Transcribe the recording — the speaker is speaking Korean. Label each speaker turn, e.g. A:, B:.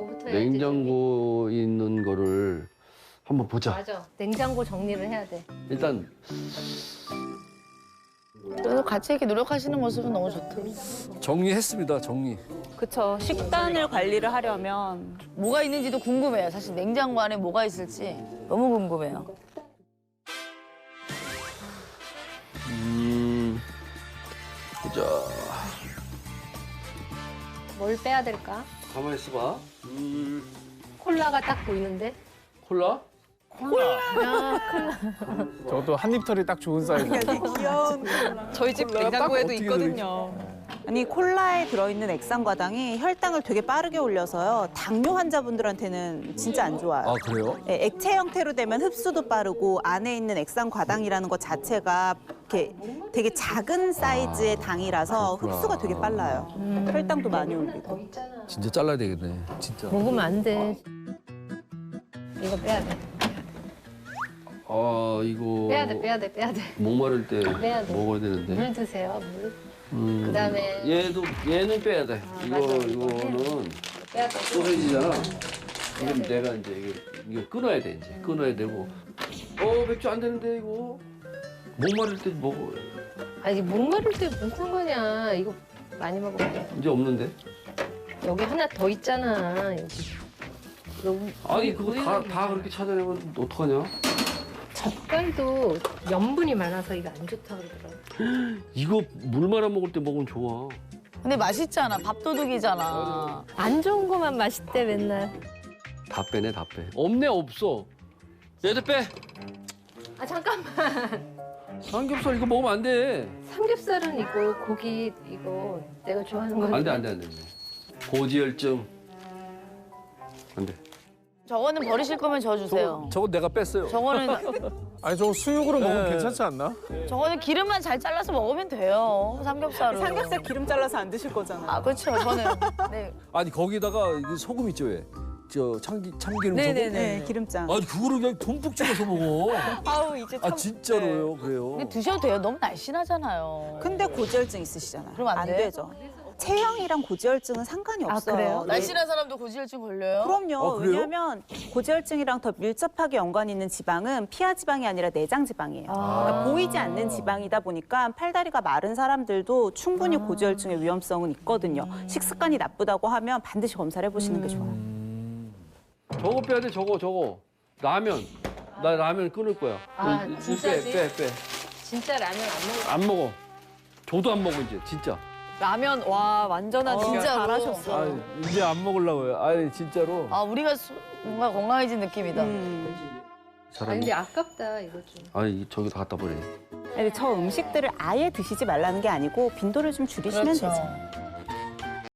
A: 냉장고부터 해야지.
B: 냉장고 있는 거를 한번 보자.
A: 맞아. 냉장고 정리를 해야 돼.
B: 일단
C: 그래도 같이 이렇게 노력하시는 모습은 너무 좋다.
D: 정리했습니다, 정리.
E: 그쵸. 식단을 관리를 하려면
C: 뭐가 있는지도 궁금해요. 사실 냉장고 안에 뭐가 있을지 너무 궁금해요.
B: 보자.
A: 뭘 빼야 될까?
B: 가만히 있어봐.
A: 콜라가 딱 보이는데?
B: 콜라?
F: 저것도 한입털이 딱 좋은 사이즈.
E: 저희 집 냉장고에도 있거든요. 아니 콜라에 들어있는 액상과당이 혈당을 되게 빠르게 올려서요. 당뇨 환자분들한테는 진짜 안 좋아요.
D: 아, 그래요?
E: 네, 액체 형태로 되면 흡수도 빠르고 안에 있는 액상과당이라는 것 자체가 이렇게 되게 작은 사이즈의 당이라서
D: 그렇구나.
E: 흡수가 되게 빨라요. 혈당도 많이 올리고.
D: 진짜 잘라야 되겠네, 진짜.
A: 먹으면 안 돼. 이거 빼야 돼.
B: 아 이거
A: 빼야 돼, 빼야 돼, 빼야 돼.
B: 목마를 때
A: 빼야 돼.
B: 먹어야 되는데.
A: 물 드세요, 물. 그다음에
B: 얘는 빼야 돼.
A: 맞아.
B: 이거는
A: 빼야 돼.
B: 소세지잖아. 그럼 내가 이제 이거 끊어야 돼 이제 끊어야 되고. 맥주 안 되는데 이거 목마를 때 먹어.
A: 아니, 목마를 때 무슨 상관이야. 이거 많이 먹으면 돼.
B: 이제 없는데.
A: 여기 하나 더 있잖아, 여기.
B: 아니 그거 다 그렇게 찾아내면 어떡하냐?
A: 젓갈도 염분이 많아서 이거 안 좋다 그러더라고.
B: 이거 물 말아 먹을 때 먹으면 좋아.
C: 근데 맛있잖아. 밥도둑이잖아.
A: 안 좋은 거만 맛있대, 맨날.
B: 다 빼네 다 빼. 없네 없어. 얘도 빼.
A: 아, 잠깐만.
B: 삼겹살 이거 먹으면 안 돼.
A: 삼겹살은 이거, 고기 이거 내가 좋아하는 건데.
B: 안 돼 안 돼 안 돼. 고지혈증. 안 돼.
C: 저거는 버리실 거면 저 주세요.
D: 저건 내가 뺐어요.
C: 저거는
F: 아니 저거 수육으로 먹으면
D: 네.
F: 괜찮지 않나?
C: 저거는 기름만 잘 잘라서 먹으면 돼요. 삼겹살을.
E: 삼겹살 기름 잘라서 안 드실 거잖아요.
C: 아 그렇죠. 저는 네.
D: 아니, 거기다가 이게 소금 있죠, 왜? 참기름 소금?
E: 네, 기름장.
D: 아니, 그거를 그냥 듬뿍 찍어서 먹어.
E: 아우 이제 참.
D: 아, 진짜로요, 그래요.
C: 근데 드셔도 돼요. 너무 날씬하잖아요.
E: 근데 고지혈증 있으시잖아요.
C: 그럼 안 돼?
E: 되죠. 체형이랑 고지혈증은 상관이
A: 아,
E: 없어요.
A: 그래요?
C: 날씬한 사람도 고지혈증 걸려요?
E: 그럼요.
D: 그래요?
E: 왜냐하면 고지혈증이랑 더 밀접하게 연관이 있는 지방은 피하 지방이 아니라 내장 지방이에요. 그러니까 보이지 않는 지방이다 보니까 팔다리가 마른 사람들도 충분히 고지혈증의 위험성은 있거든요. 식습관이 나쁘다고 하면 반드시 검사를 해보시는 게 좋아요.
B: 저거 빼야 돼 저거. 라면. 나 라면 끊을 거야.
A: 아,
B: 이거
A: 진짜지?
B: 빼.
A: 진짜 라면 안 먹어.
B: 안 먹어. 저도 안 먹어 이제 진짜.
E: 라면 와 완전한
C: 진짜로?
E: 잘하셨어.
D: 아, 이제 안 먹으려고요. 아니, 진짜로.
C: 아 우리가 뭔가 건강해진 느낌이다.
A: 아니,
B: 사람이.
A: 근데 아깝다, 이거 좀.
B: 아니 저기다 갖다 버려.
E: 아니, 저 음식들을 아예 드시지 말라는 게 아니고 빈도를 좀 줄이시면
C: 그렇죠.
E: 되죠.